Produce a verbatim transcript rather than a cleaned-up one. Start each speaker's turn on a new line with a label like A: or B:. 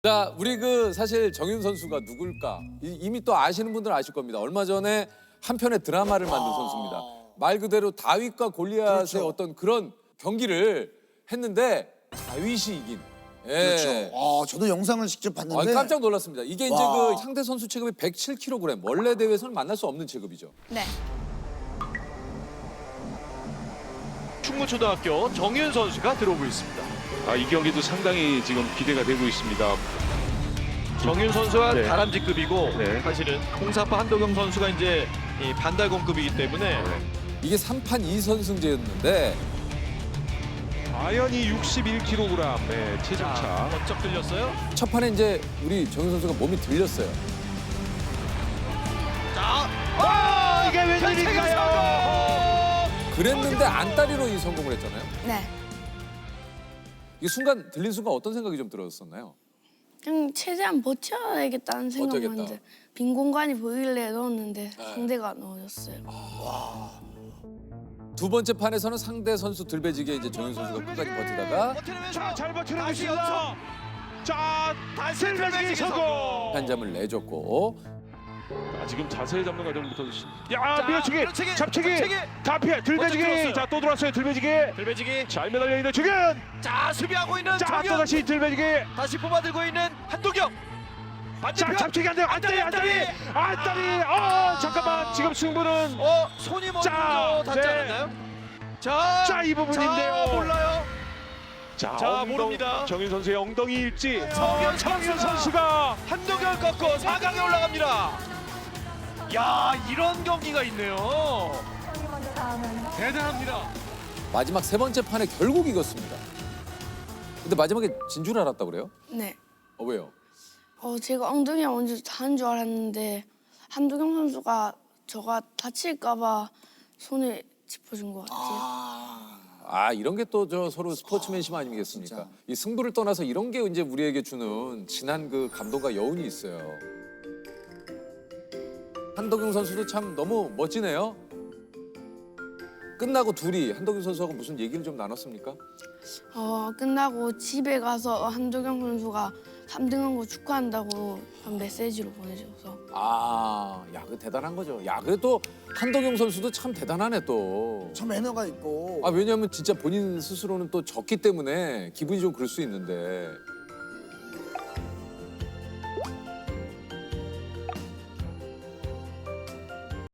A: 자, 우리 그 사실 정윤 선수가 누굴까? 이- 이미 또 아시는 분들은 아실 겁니다. 얼마 전에 한 편의 드라마를 만든 선수입니다. 말 그대로 다윗과 골리앗의
B: 그렇죠.
A: 어떤 그런 경기를 했는데 다윗이 이긴. 예.
B: 그렇죠. 아, 저도 영상을 직접
A: 아,
B: 봤는데
A: 깜짝 놀랐습니다. 이게 이제
B: 와.
A: 그 상대 선수 체급이 백칠 킬로그램. 원래 대회에서는 만날 수 없는 체급이죠.
C: 네.
D: 충무초등학교 정윤 선수가 들어오고 있습니다.
E: 아, 이 경기도 상당히 지금 기대가 되고 있습니다.
D: 정윤 선수가
E: 네.
D: 다람쥐급이고
E: 네.
D: 사실은 홍사파 한도경 선수가 이제 이 반달곰급이기 때문에
A: 이게 삼 판 이 선승제였는데
E: 아연이 육십일 킬로그램의 체중차.
D: 번쩍 들렸어요.
A: 첫 판에 이제 우리 정윤 선수가 몸이 들렸어요.
D: 자, 아, 이게 웬일인가요?
A: 그랬는데 안다리로 이 성공을 했잖아요.
C: 네.
A: 이 순간 들린 순간 어떤 생각이 좀 들었었나요?
C: 그냥 최대한 버텨야겠다는 생각만
A: 버텨야겠다.
C: 했는데 빈 공간이 보이길래 넣었는데
A: 네.
C: 상대가 넣어줬어요.
A: 두 번째 판에서는 상대 선수 들배지기에 이제 정윤 선수가 끝까지 버티다가
D: 자,
E: 잘 버티고
D: 다시
E: 있습니다.
D: 연속. 자, 다시
E: 들배지기 성공.
A: 한 점을 내줬고
E: 아, 지금 자세 잡는 과정부터 야,
D: 자,
E: 밀어치기,
D: 밀어치기,
E: 잡치기,
D: 잡치기.
E: 다 피해, 들배지기.
D: 들었어요.
E: 자, 또 들어왔어요, 들배지기.
D: 들배지기.
E: 잘 매달려 있는 주균.
D: 자, 수비하고 있는
E: 자,
D: 정윤.
E: 또 다시 들배지기.
D: 다시 뽑아들고 있는 한도경.
E: 자,
D: 반대편.
E: 잡치기 안 돼요. 안다리, 안다리, 안다리. 어, 잠깐만. 지금 승부는
D: 어, 손이 먼저
E: 자,
D: 닿지
E: 네.
D: 않았나요? 자,
E: 자, 이 부분인데요.
D: 자, 몰라요.
E: 자,
D: 자,
E: 엉덩-
D: 모릅니다.
E: 정윤 선수의 엉덩이 일지.
D: 정윤
E: 정윤
D: 선수가
E: 선수가
D: 한동현 꺾고 사 강에 올라갑니다. 야, 이런 경기가 있네요. 대단합니다.
A: 마지막 세 번째 판에 결국 이겼습니다. 근데 마지막에 진 줄 알았다 그래요?
C: 네.
A: 어, 왜요?
C: 어 제가 엉덩이가 먼저 닿은 줄 알았는데 한두경 선수가 저가 다칠까봐 손에 짚어준 것 같아요.
A: 아, 이런 게 또 저 서로 스포츠맨십 아니겠습니까?
B: 진짜.
A: 이 승부를 떠나서 이런 게 이제 우리에게 주는 진한 그 감동과 여운이 있어요. 한덕용 선수도 참 너무 멋지네요. 끝나고 둘이 한덕용 선수하고 무슨 얘기를 좀 나눴습니까?
C: 어 끝나고 집에 가서 한두경 선수가 삼 등한 거 축하한다고 한 메시지로 보내줘서
A: 아, 야, 그 대단한 거죠. 야, 그래도 한덕용 선수도 참 대단하네 또.
B: 참 매너가 있고
A: 아, 왜냐하면 진짜 본인 스스로는 또 졌기 때문에 기분이 좀 그럴 수 있는데